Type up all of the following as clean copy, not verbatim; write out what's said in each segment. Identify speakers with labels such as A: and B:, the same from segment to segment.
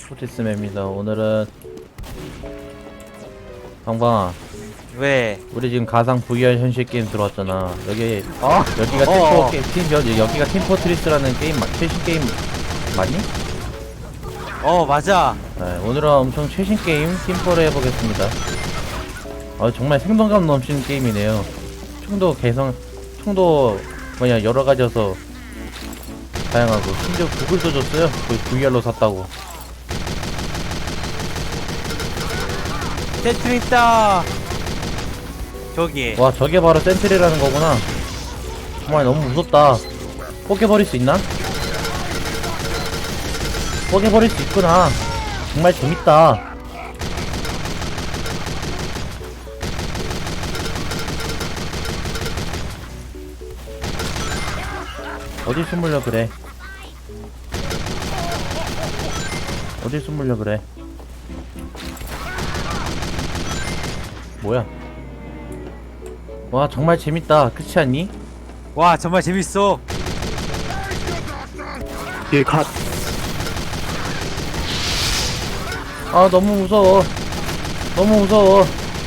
A: 포티스맵입니다. 오늘은 방방아,
B: 왜?
A: 우리 지금 가상 VR 현실 게임 들어왔잖아. 여기가 여기가 팀포트리스라는 게임 최신 게임 맞니?
B: 맞아.
A: 네, 오늘은 엄청 최신 게임 팀포를 해보겠습니다. 정말 생동감 넘치는 게임이네요. 총도 여러 가지여서 다양하고, 심지어 구글도 줬어요. 거의 VR로 샀다고.
B: 센트리 있다. 저기.
A: 와, 저게 바로 센트리라는 거구나. 정말 너무 무섭다. 포개버릴 수 있나? 포개버릴 수 있구나. 정말 재밌다. 어딜 숨으려 그래. 어딜 숨으려 그래. 뭐야? 와, 정말 재밌다. 그렇지 않니?
B: 와, 정말 재밌어.
C: 예, 갓.
A: 아, 너무 무서워. 너무 무서워.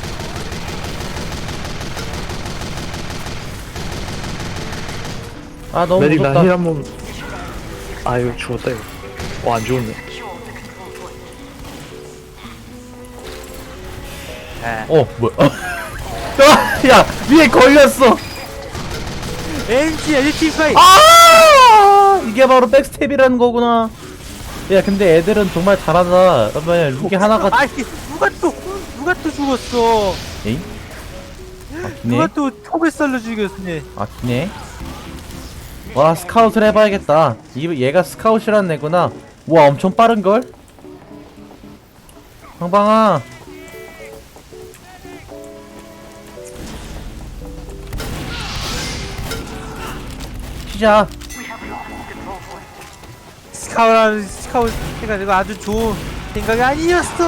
A: 아, 너무
C: 메딕
A: 무섭다.
C: 나힐 한번. 아, 이거 죽었다, 이거. 안 죽었네.
A: 뭐야? 야, 위에 걸렸어.
B: MG LT5.
A: 이게 바로 백스텝이라는 거구나. 야, 근데 애들은 정말 잘한다. 그러면 룩이 하나가.
B: 아니, 누가 또 죽었어.
A: 에이?
B: 누가
A: 기네?
B: 또 톡을 썰려 죽였네.
A: 기네? 와, 스카웃을 해봐야겠다. 얘가 스카웃이란 애구나. 와, 엄청 빠른걸? 방방아. 튀자.
B: 스카우트 해가지고 아주 좋은 생각이 아니었어.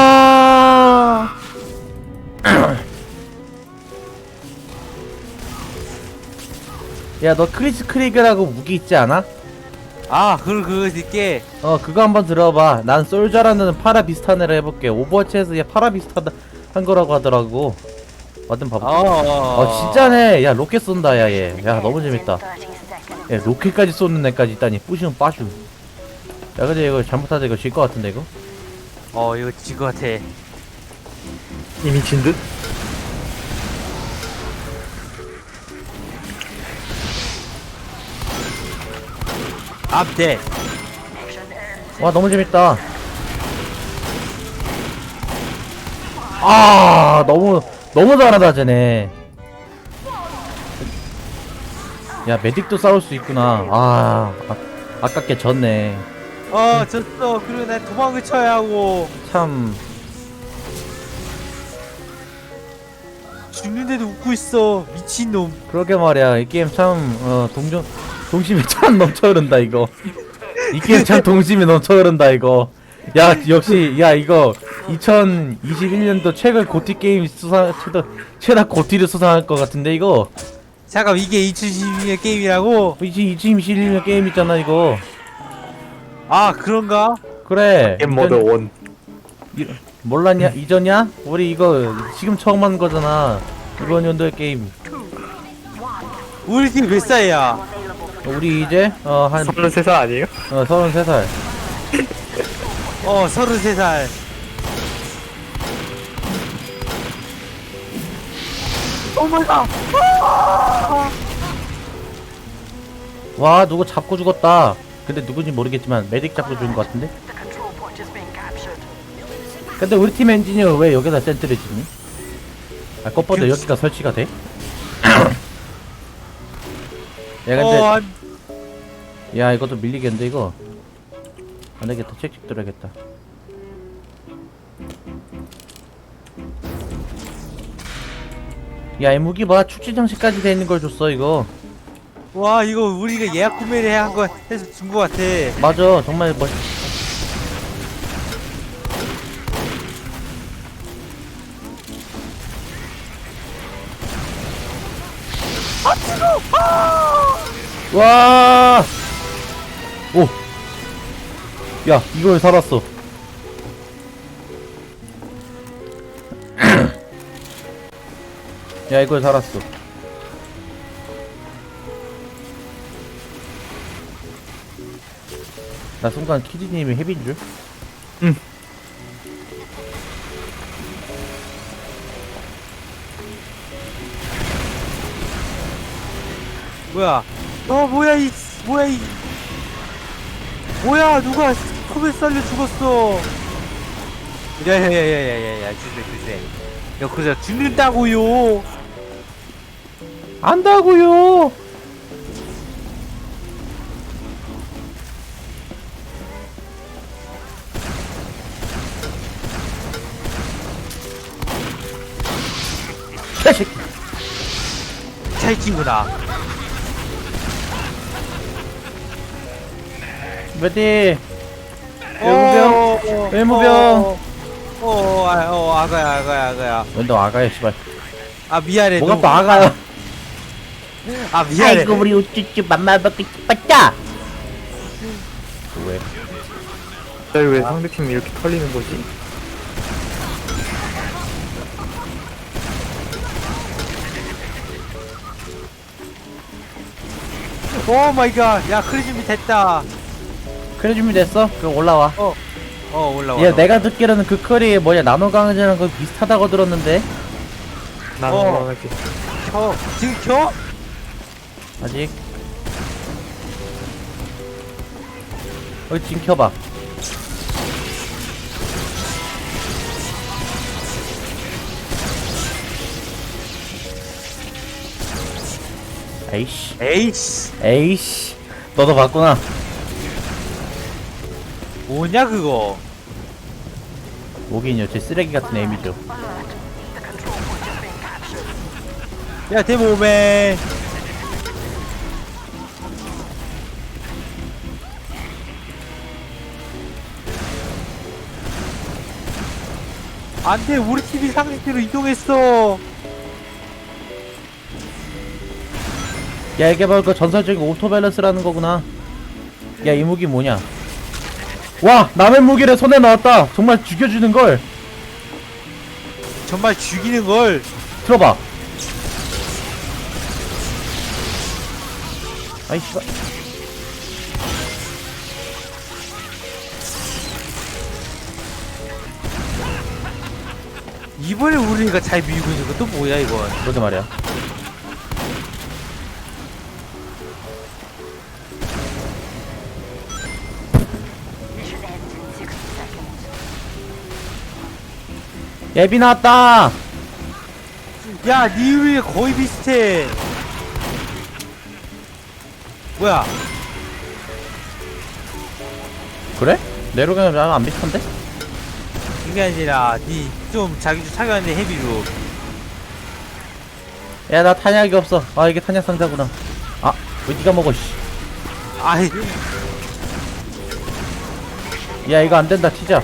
A: 야, 너 크리스 크리그라고 무기 있지 않아?
B: 그거 있게.
A: 그거 한번 들어봐. 난 솔저라는 파라 비슷한 애를 해볼게. 오버워치에서 얘 파라 비슷한 한 거라고 하더라고. 완전 봐볼게. 진짜네. 야, 로켓 쏜다, 야, 얘. 야, 너무 재밌다. 야, 로켓까지 쏘는 애까지 있다니. 뿌시면 빠슈. 야, 근데 이거 잘못하자. 이거 질 것 같은데, 이거?
B: 이거 질 것 같아.
C: 이미 진 듯?
B: 앞대.
A: 와, 너무 재밌다. 너무 잘하다, 쟤네. 야, 메딕도 싸울 수 있구나. 아깝게 졌네.
B: 졌어. 그리고 난 도망을 쳐야 하고.
A: 참.
B: 죽는데도 웃고 있어. 미친놈.
A: 그러게 말이야. 이 게임 참, 동심이 참 넘쳐 흐른다, 이거. 이 게임 참 동심이 넘쳐 흐른다, 이거. 야, 역시, 야, 이거, 2021년도 최근 고티 게임 최다 고티를 수상할 것 같은데, 이거.
B: 잠깐, 이게 2022년 게임이라고?
A: 2021년 게임 있잖아, 이거.
B: 그런가?
A: 그래.
C: 게임 모드 1.
A: 몰랐냐? 이전이야? 우리 이거 지금 처음 하는 거잖아. 이번 연도의 게임.
B: 우리 팀 몇 살이야?
A: 우리 이제, 한,
C: 33살 아니에요?
A: 33살.
B: 33살. 오마이갓.
A: 와, 누구 잡고 죽었다. 근데 누군지 모르겠지만 메딕 잡고 죽은 것 같은데? 근데 우리 팀 엔지니어 왜 여기다 센트를 짓니? 꽃보다 여기가 설치가 돼? 야, 근데 야, 이것도 밀리겠는데, 이거? 안되겠다. 책찍 들어야겠다. 야, 이 무기 봐. 축제 장식까지 돼 있는 걸 줬어, 이거.
B: 와, 이거 우리가 예약 구매를 한 거 해서 준 거 같아.
A: 맞아. 정말 와! 오! 야, 이걸 살았어. 야 이걸 살았어. 나 순간 키디님이 헤비인 줄?
B: 뭐야? 뭐야 이 뭐야 누가 컵에 쌀려 죽었어? 야야야야야야야 주세. 야 그저 죽는다고요.
A: 안다고요. 개새끼.
B: 잘 친구다.
A: 메디. 외무병. 외무병.
B: 아가야.
A: 너 아가야 씨발.
B: 아 미안해.
A: 뭐가
B: 너무-
A: 또 아가야?
B: 아 미안해.
A: 아이고 우리 우쭈쭈 맘마먹기 빠짜. 왜?
C: 갑자기 왜 상대팀이 이렇게 털리는 거지?
B: 오 마이 갓. 야 크리 준비 됐다.
A: 그래 준비됐어? 그럼 올라와.
B: 올라와.
A: 야 내가 듣기로는 그 컬이 뭐냐 나노 강아지랑 거 비슷하다고 들었는데
C: 나는
B: 어.
C: 원하게.
B: 지금 켜?
A: 아직. 지금 켜봐. 에이씨.
B: 에이씨.
A: 에이씨. 너도 봤구나.
B: 뭐냐 그거?
A: 오긴요. 제 쓰레기 같은 에임이죠.
B: 야 데모맨. 안돼 우리 팀이 상대로 이동했어.
A: 야 이게 바로 그 전설적인 오토밸런스라는 거구나. 야 이 무기 뭐냐? 와 남의 무기를 손에 넣었다. 정말 죽여주는 걸.
B: 정말 죽이는 걸.
A: 들어봐. 아이 씨발.
B: 이번에 우리가 잘 밀고 있는 건 또 뭐야 이건?
A: 그러게 말이야. 예비 나왔다.
B: 야, 니 위에 거의 비슷해. 뭐야?
A: 그래? 내로가면 나랑 안 비슷한데?
B: 그게 아니라 니 좀 자기 좀 착용하는데 헤비로.
A: 야 나 탄약이 없어. 아 이게 탄약 상자구나. 아 왜 니가 먹어 씨.
B: 아이,
A: 야 이거 안 된다 튀자.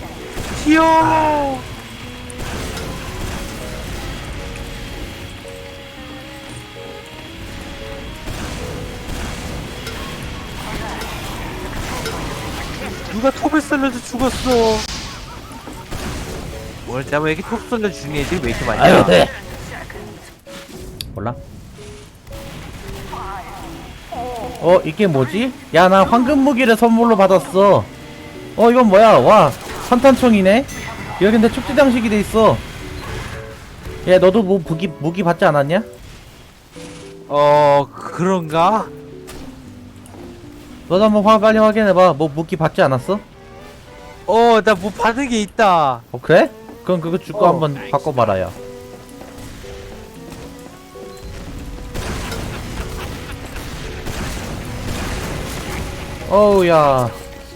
B: 튀어. 누가 톱을 썰려서 죽었어. 뭘 잡아 왜 이렇게 톱 썰려 죽는 애들이 왜 이렇게 많냐?
A: 아유 네. 몰라. 이게 뭐지? 야 나 황금 무기를 선물로 받았어. 이건 뭐야? 와 산탄총이네. 여기 근데 축제 장식이 돼 있어. 야 너도 뭐 무기 받지 않았냐?
B: 그런가?
A: 너도 한번 빨리 확인해봐. 뭐 무기 받지 않았어?
B: 나 뭐 받은 게 있다.
A: 그래? 그럼 그거 주고
B: 어.
A: 한번 바꿔봐라 야. 어우야.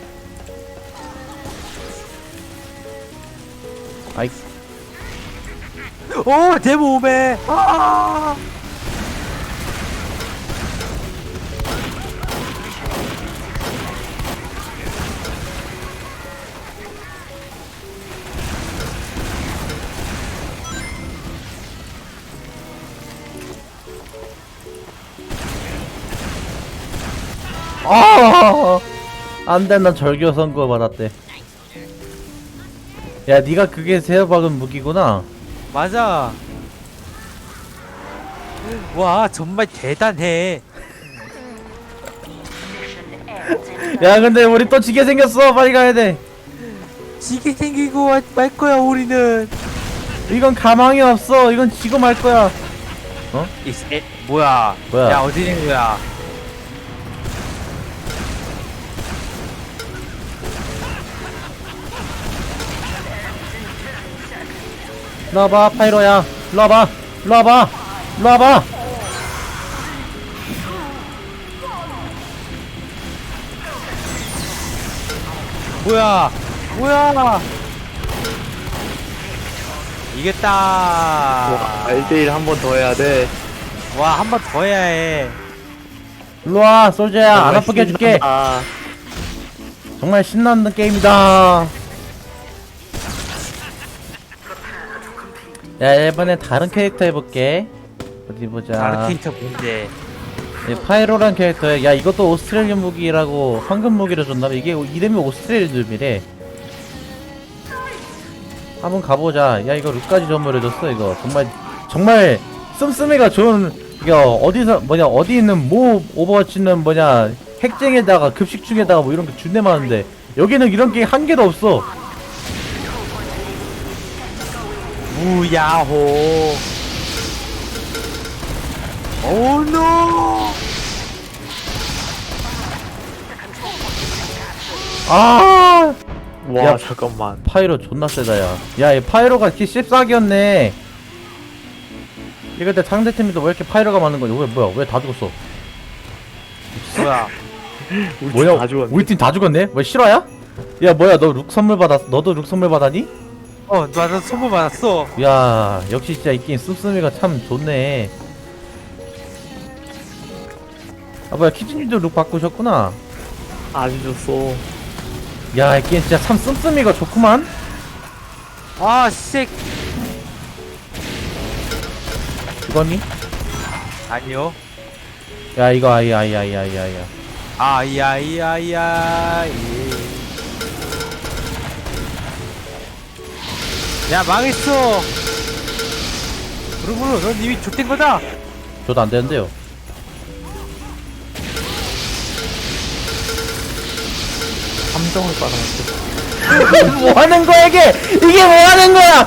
A: 아이
B: 내 몸에. 아!
A: 안돼 난 절교 선고 받았대. 야 니가 그게 세어박은 무기구나.
B: 맞아. 와 정말 대단해.
A: 야 근데 우리 또 지게 생겼어. 빨리 가야 돼.
B: 지게 생기고 말 거야 우리는.
A: 이건 가망이 없어. 이건 지고 말 거야.
B: 뭐야?
A: 뭐야?
B: 야 어디 있는 거야?
A: 일로 와봐 파이로야. 일로 와봐. 일로 와봐. 일로 와봐.
B: 뭐야? 뭐야? 이겼다.
C: 와 1대1 한 번 더 해야 돼.
B: 와 한 번 더 해야 해.
A: 일로 와 솔저야. 안 아프게 해줄게.
C: 아,
A: 정말 신나는 게임이다. 야 이번엔 다른 캐릭터 해볼게. 어디 보자.
B: 다른 캐릭터 뭔데?
A: 파이로란 캐릭터야. 야 이것도 오스트레일리안 무기라고 황금 무기를 줬나봐. 이게 이름이 오스트레일리안이래. 한번 가보자. 야 이거 룩까지 선물해줬어. 이거 정말 씀씀이가 좋은. 이게 어디서 뭐냐 어디 있는 모 오버워치는 뭐냐 핵쟁에다가 급식충에다가 뭐 이런 게 준내 많은데 여기는 이런 게 한 개도 없어.
B: 무야호. 오노.
A: 아
C: 와
A: 야.
C: 잠깐만.
A: 파이로 존나 세다 야. 야, 이 파이로가 키 14기였네. 이럴 때 상대팀이 또 왜 이렇게 파이로가 많은 거지? 뭐야? 왜 다 죽었어?
B: 뭐야?
A: 뭐야?
C: 다 죽었네.
A: 우리 팀 다 죽었네? 뭐 실화야? 야, 뭐야? 너 룩 선물 받았? 너도 룩 선물 받았니?
B: 나도 선물 받았어.
A: 야, 역시 진짜 이 게임 씀씀이가 참 좋네. 아, 뭐야? 키즈님도 룩 바꾸셨구나.
C: 아주 좋소.
A: 야, 이 게임 진짜 참 씀씀이가 좋구만.
B: 아, 씨.
A: 죽었니?
B: 아니요.
A: 야, 이거 아이야.
B: 아이야이야이야. 야, 망했어. 무르무르, 넌 이미 좆된 거다.
A: 저도 안 되는데요.
C: 함정을 빨아먹고.
A: 뭐 하는 거야, 이게? 이게 뭐 하는 거야?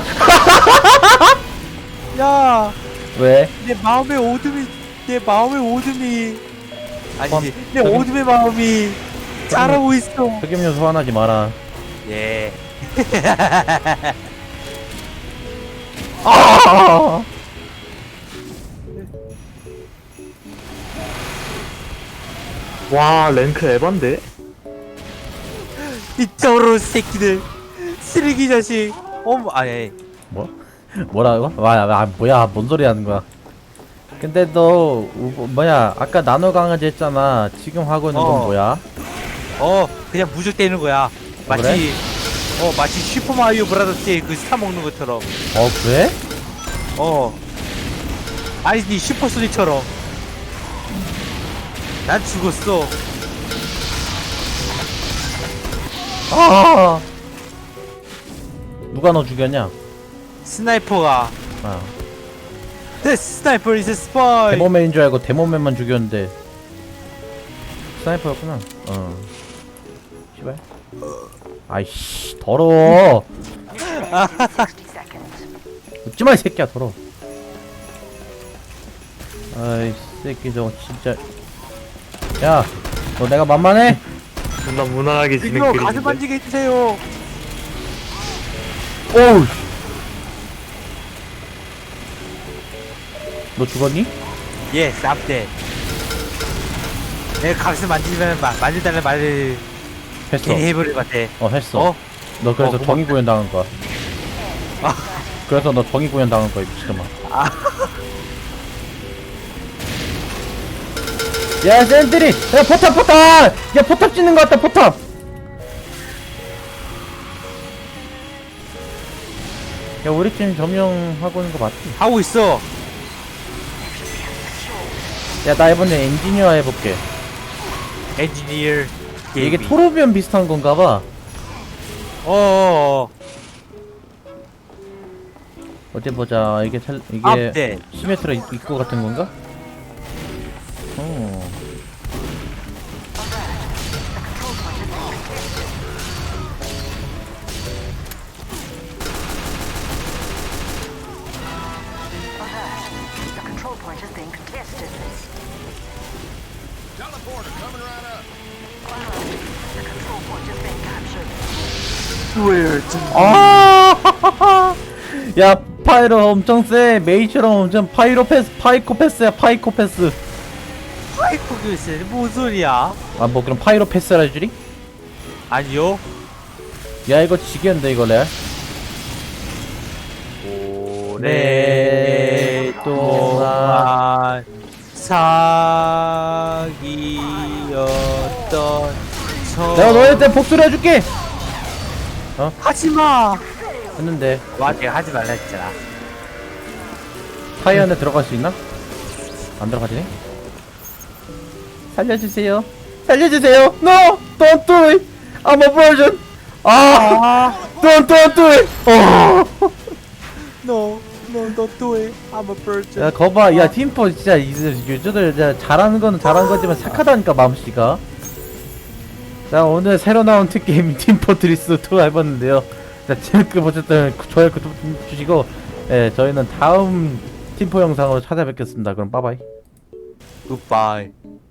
B: 야,
A: 왜?
B: 내 마음의 오둠이, 아니지, 내
A: 저기-
B: 오둠의 마음이 자라고 있어.
A: 흑염료 소환하지 마라.
B: 예.
A: 아!
C: 와 랭크 에반데?
B: 이 더러운 새끼들. 쓰레기 자식. 아니.
A: 뭐? 뭐라고? 뭐야? 뭔 소리 하는 거야? 근데 너 뭐야? 아까 나노 강아지 했잖아. 지금 하고 있는 건 뭐야?
B: 그냥 무적 때리는 거야. 마치,
A: 그래?
B: 마치 슈퍼마리오 브라더스의 그 스타 먹는 것처럼.
A: 그래?
B: 아니, 니 슈퍼소닉처럼. 난 죽었어.
A: 아! 누가 너 죽였냐?
B: 스나이퍼가.
A: 아,
B: The sniper is a spy.
A: 데모맨인 줄 알고 데모맨만 죽였는데 스나이퍼였구나. 씨발. 아이씨, 더러워. 웃지마 이 새끼야, 더러워. 아이 새끼 저거 진짜. 야, 너 내가 만만해?
C: 존나 무난하게 지는
B: 이거 가슴
C: 그림인데.
B: 만지게 해주세요.
A: 오우. 너 죽었니?
B: 예, 쌉대. 내가 가슴 만지면 만진다는 말을
A: 했어.
B: 괜히 해버릴 것 같아.
A: 했어. 너 그래서
B: 고마워.
A: 정의 구현 당한 거야.
B: 아.
A: 그래서 너 정의 구현 당한 거야, 미친놈아.
B: 아.
A: 야, 샌들이! 야, 포탑! 야, 포탑 찍는 거 같다, 포탑! 야, 우리 팀 점령하고 있는 거 맞지?
B: 하고 있어.
A: 야, 나 이번에 엔지니어 해볼게.
B: 엔지니어.
A: 이게 토르비언 비슷한 건가 봐.
B: 어어어.
A: 어디 보자. 이게 이게
B: 앞대.
A: 시메트라 입구 같은 건가? 어.
D: The control point is being contested.
E: Teleporter coming right up.
D: The control point is being captured.
A: 아! 야, 파이로 엄청 세. 메이처럼 엄청 파이코패스야, 파이코패스.
B: 파이프 글쎄 뭔 소리야?
A: 아, 뭐 그럼 파이로패스라 해주리?
B: 아니요.
A: 야, 이거 지겠는데 이거 레알?
B: 오랫동안 사귀었던
A: 내가 너희한테 복수를 해줄게.
B: 하지마.
A: 했는데
B: 맞아, 하지 말라 했잖아.
A: 파이 안에 들어갈 수 있나? 안 들어가지네. 살려주세요. 살려주세요. No, don't do it. I'm a virgin. 아, don't do it. 어.
B: No, don't do it. I'm a virgin.
A: 야, 거봐. 야, 팀포 진짜 유저들 진짜 잘하는 거는 잘하는 거지만 착하다니까 마음씨가. 자, 오늘 새로 나온 특게임 팀포트리스 2 해봤는데요. 자, 재밌게 보셨다면 좋아요, 구독 주시고, 예, 저희는 다음 팀포 영상으로 찾아뵙겠습니다. 그럼 빠바이.
B: Goodbye.